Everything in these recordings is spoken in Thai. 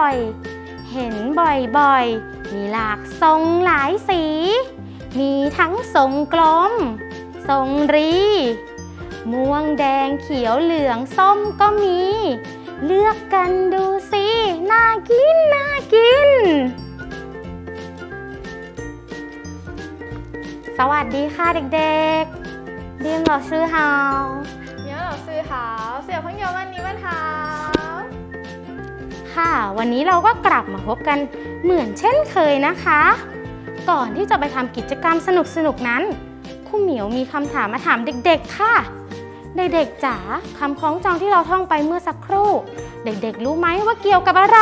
อยๆเห็นบ่อยๆมีหลากทรงหลายสีมีทั้งทรงกลมทรงรีม่วงแดงเขียวเหลืองส้มก็มีเลือกกันดูสิน่ากินน่ากินสวัสดีค่ะเด็กๆเรียน老师好苗老师好小朋友们你们好ค่ะวันนี้เราก็กลับมาพบกันเหมือนเช่นเคยนะคะก่อนที่จะไปทำกิจกรรมสนุกๆนั้นครูเหมียวมีคำถามมาถามเด็กๆค่ะเด็กๆจ๋าคำคล้องจองที่เราท่องไปเมื่อสักครู่เด็กๆรู้ไหมว่าเกี่ยวกับอะไร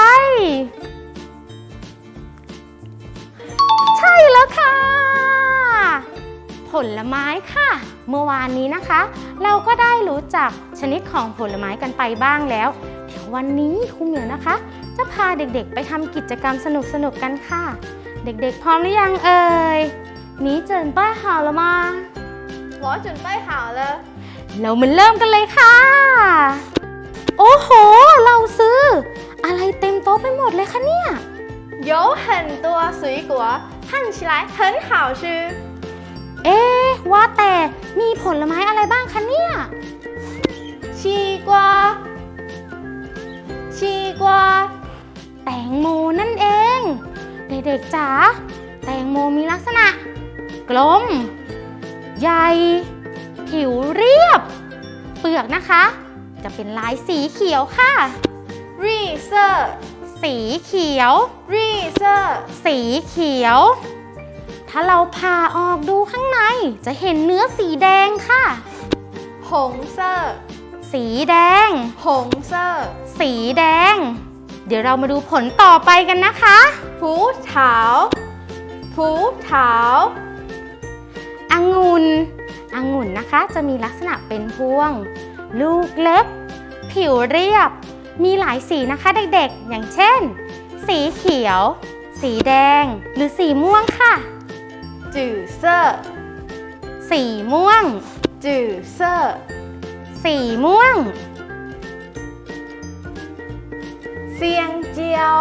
ใช่แล้วค่ะผลไม้ค่ะเมื่อวานนี้นะคะเราก็ได้รู้จักชนิดของผลไม้กันไปบ้างแล้วเดี๋ยววันนี้ครูเหมียวนะคะจะพาเด็กๆไปทำกิจกรรมสนุกๆกันค่ะเด็กๆพร้อมหรือยังเอ่ย你准备好了吗我准备好了เรามาเริ่มกันเลยค่ะโอ้โหเราซื้ออะไรเต็มโต๊ะไปหมดเลยคะเนี่ย有很多水果看起来很好吃ว่าแต่มีผลไม้อะไรบ้างคะเนี่ย西瓜西瓜แตงโมนั่นเองเด็กๆจ๋าแตงโมมีลักษณะกลมใหญ่ผิวเรียบเปลือกนะคะจะเป็นลายสีเขียวค่ะ绿色สีเขียว绿色สีเขียวถ้าเราผ่าออกดูข้างในจะเห็นเนื้อสีแดงค่ะ红色สีแดง红色สีแดงเดี๋ยวเรามาดูผลต่อไปกันนะคะ葡萄葡萄องุ่นนะคะจะมีลักษณะเป็นพวงลูกเล็กผิวเรียบมีหลายสีนะคะเด็กๆอย่างเช่นสีเขียวสีแดงหรือสีม่วงค่ะ紫色สีม่วง紫色สีม่วง香蕉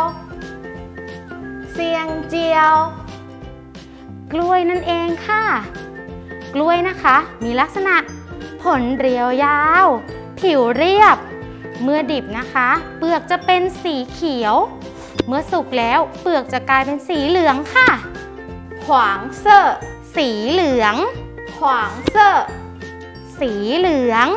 香蕉กล้วยนั่นเองค่ะกล้วยนะคะมีลักษณะผลเรียวยาวผิวเรียบเมื่อดิบนะคะเปลือกจะเป็นสีเขียวเมื่อสุกแล้วเปลือกจะกลายเป็นสีเหลืองค่ะ黄色สีเหลือง黄色สีเหลือง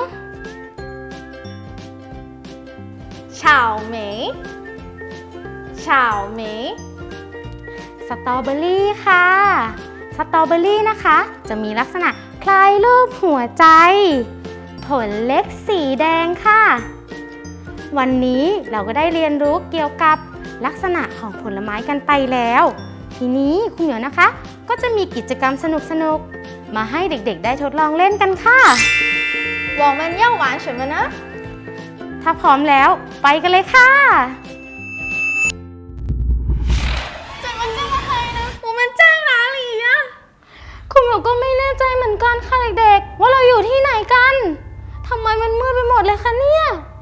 草莓草莓สตรอเบอรี่ค่ะสตรอเบอรี่นะคะจะมีลักษณะคล้ายรูปหัวใจผลเล็กสีแดงค่ะวันนี้เราก็ได้เรียนรู้เกี่ยวกับลักษณะของผลไม้กันไปแล้วทีนี้คุณเหมียวนะคะก็จะมีกิจกรรมสนุกๆมาให้เด็กๆได้ทดลองเล่นกันค่ะ我们要玩什么呢ถ้าพร้อมแล้วไปกันเลยค่ะ怎么这么黑呢我们在哪里呀คุณเหมียวก็ไม่แน่ใจเหมือนกันค่ะเด็กๆว่าเราอยู่ที่ไหนกันทำไมมันมืดไปหมดเลยคะเนี่ย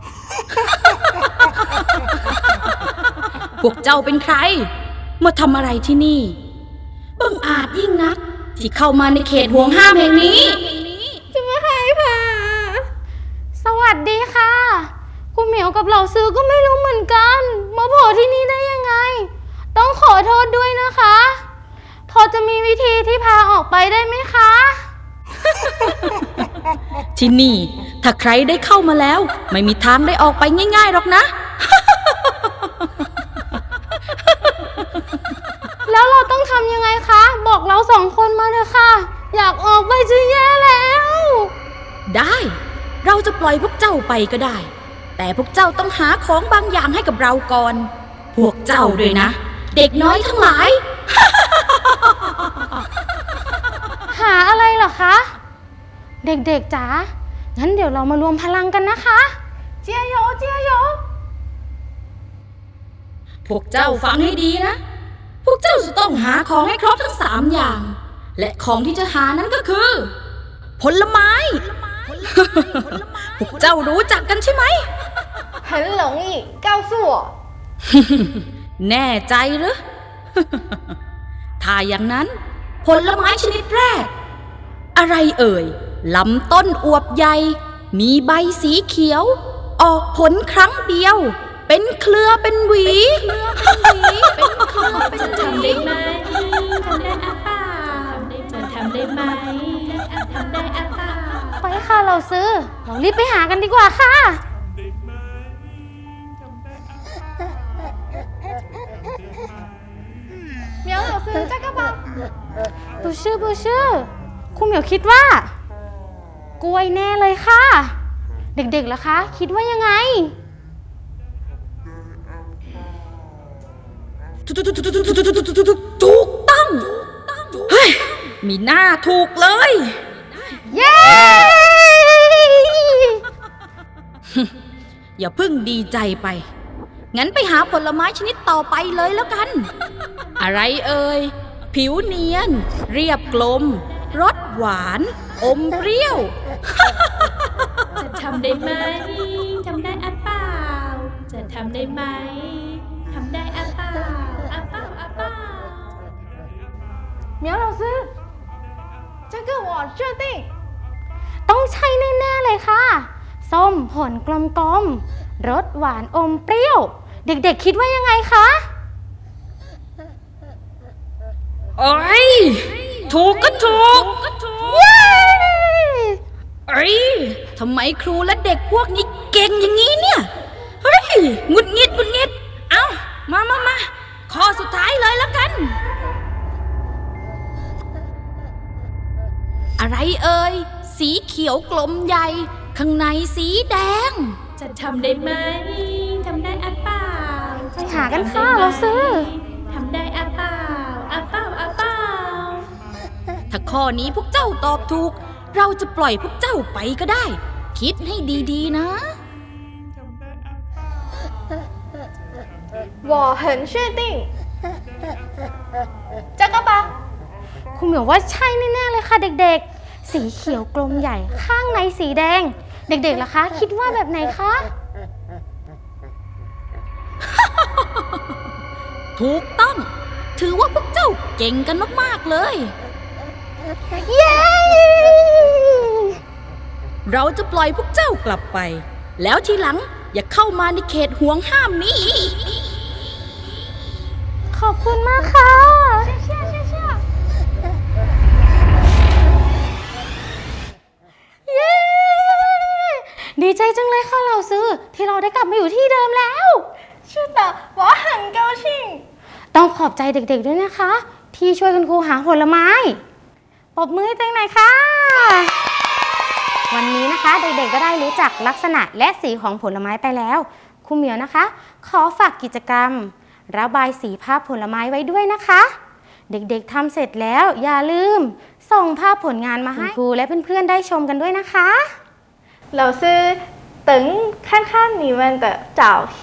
พวกเจ้าเป็นใครมาทำอะไรที่นี่บังอาจยิ่งนักที่เข้ามาในเขตห่วงห้ามแห่งนี้จะมาให้ผ่าสวัสดีค่ะคุณเหมียวกับเหล่าซื้อก็ไม่รู้เหมือนกันมาโผล่ที่นี่ได้ยังไงต้องขอโทษด้วยนะคะพอจะมีวิธีที่พาออกไปได้ไหมคะที่นี่ถ้าใครได้เข้ามาแล้วไม่มีทางได้ออกไปง่ายๆหรอกนะแล้วเราต้องทำยังไงคะบอกเราสองคนมาเลยค่ะอยากออกไปจะแย่แล้วได้เราจะปล่อยพวกเจ้าไปก็ได้แต่พวกเจ้าต้องหาของบางอย่างให้กับเราก่อนพวกเจ้าด้วยนะเด็กน้อยทั้งหลายหาอะไรเหรอคะเด็กๆจ๋างั้นเดี๋ยวเรามารวมพลังกันนะคะ加油加油พวกเจ้าฟังให้ดีนะพวกเจ้าจะต้องหาของให้ครบทั้ง3อย่างและของที่จะหานั้นก็คือผลไม้ พวกเจ้ารู้จักกันใช่ไหม很容易告诉我แน่ใจหรือ ถ้าอย่างนั้นผลไม้ชนิดแรก อะไรเอ่ยลำต้นอวบใหญ่มีใบสีเขียว ออกผลครั้งเดียว เป็นเครือเป็นหวีจะทำได้ไหมทำได้อะเปล่าจะทำได้ไหมทำได้อะเปล่าไปค่ะเราซื้อ เรารีบไปหากันดีกว่าค่ะ苗老师这个吧บูชื่อครูเหมียวคิดว่า กล้วยแน่เลยค่ะ เด็กๆล่ะคะ คิดว่ายังไงถูกต้องเฮ้ยมีหน้าถูกเลยเย้อย่าเพิ่งดีใจไป งั้นไปหาผลไม้ชนิดต่อไปเลยแล้วกัน อะไรเอ่ย ผิวเนียน เรียบกลม รสหวาน อมเปรี้ยวจะทำได้ไหมทำได้อะเปล่าจะทำได้ไหมทำได้อะเปล่าอะเปล่าอะเปล่า苗老师这个我确定ต้องใช่แน่ๆเลยค่ะ ส้มผลกลมๆ รสหวานอมเปรี้ยว เด็กๆคิดว่ายังไงคะโอ้ย ถูกก็ถูกเย้เอ้ย ทำไมครูและเด็กพวกนี้เก่งอย่างนี้เนี่ย เฮ้ยหงุดหงิด เอามา ข้อสุดท้ายเลยแล้วกัน อะไรเอ่ย สีเขียวกลมใหญ่ ข้างในสีแดงจะทำได้ไหมทำได้อะเปล่าไปหากันค่ะเราซื้อทำได้อะเปล่าอะเปล่าอะเปล่าถ้าข้อนี้พวกเจ้าตอบถูก เราจะปล่อยพวกเจ้าไปก็ได้ คิดให้ดีๆนะ我很确定这个吧ครูเหมียวว่าใช่แน่ๆเลยค่ะเด็กๆ สีเขียวกลมใหญ่ข้างในสีแดง เด็กๆล่ะคะ คิดว่าแบบไหนคะถูกต้อง ถือว่าพวกเจ้าเก่งกันมากๆเลยเย้เราจะปล่อยพวกเจ้ากลับไป แล้วทีหลังอย่าเข้ามาในเขตห่วงห้ามนี้อีกขอบคุณมากค่ะ เย้ ดีใจจังเลยค่ะเราซื้อ ที่เราได้กลับมาอยู่ที่เดิมแล้ว是的我很高兴ต้องขอบใจเด็กๆด้วยนะคะ ที่ช่วยคุณครูหาผลไม้ปรบมือให้ตัวเองหน่อยค่ะ วันนี้นะคะเด็กๆก็ได้รู้จักลักษณะและสีของผลไม้ไปแล้วครูเหมียวนะคะ ขอฝากกิจกรรม ระบายสีภาพผลไม้ไว้ด้วยนะคะ เด็กๆทำเสร็จแล้วอย่าลืม ส่งภาพผลงานมาให้ครูและเพื่อนๆได้ชมกันด้วยนะคะ老师等看看你们的照片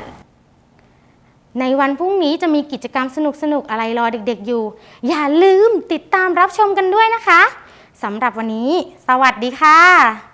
ในวันพรุ่งนี้จะมีกิจกรรมสนุกๆอะไรรอเด็กๆอยู่ อย่าลืมติดตามรับชมกันด้วยนะคะสำหรับวันนี้ สวัสดีค่ะ